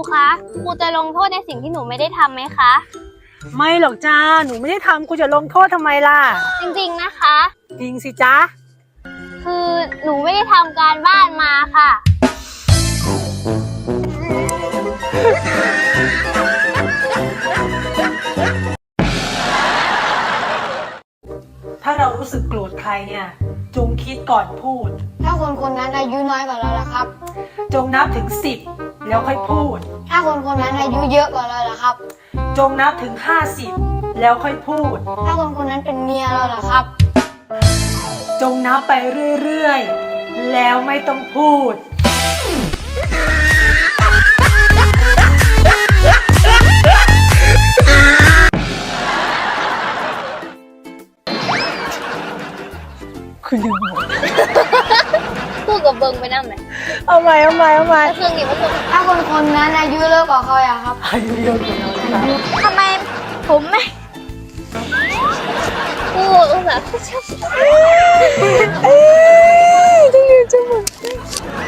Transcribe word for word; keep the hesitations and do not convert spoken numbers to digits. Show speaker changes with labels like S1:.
S1: คะครูจะลงโทษในสิ่งที่หนูไม่ได้ทำไหมคะ
S2: ไม่หรอกจ้าหนูไม่ได้ทำครูจะลงโทษทำไมล่ะ
S1: จริงๆนะคะ
S2: จริงสิจ๊ะ
S1: คือหนูไม่ได้ทำการบ้านมาค่ะ
S2: ถ้าเรารู้สึกโกรธใครเนี่ยจงคิดก่อนพูด
S3: ถ้าคนคนนั้นอายุน้อยกว่าเราล่ะครับ
S2: จงนับถึงสิบแล้วค่อยพูด
S3: ถ้าคนคนนั้นอายุเยอะกว่าเราล่ะครับ
S2: จงนับถึงห้าสิบแล้วค่อยพูด
S3: ถ้าคนคนนั้นเป็นเมียเราล่ะครับ
S2: จงนับไปเรื่อยๆแล้วไม่ต้องพูด คือลืมหมด
S1: พูดกับเบิงไปนั่นไหม
S2: เอาใหม่เอาใหม่เอาใหม่
S1: เครื่องนี้มันคือ
S3: ถ้าคนคนนั้นอายุเยอะกว่าเขาอะครับ
S2: อายุเยอะกว่าเราครับ
S1: ทำไมผมไม่พูดอุตส่าห์พูดชอบ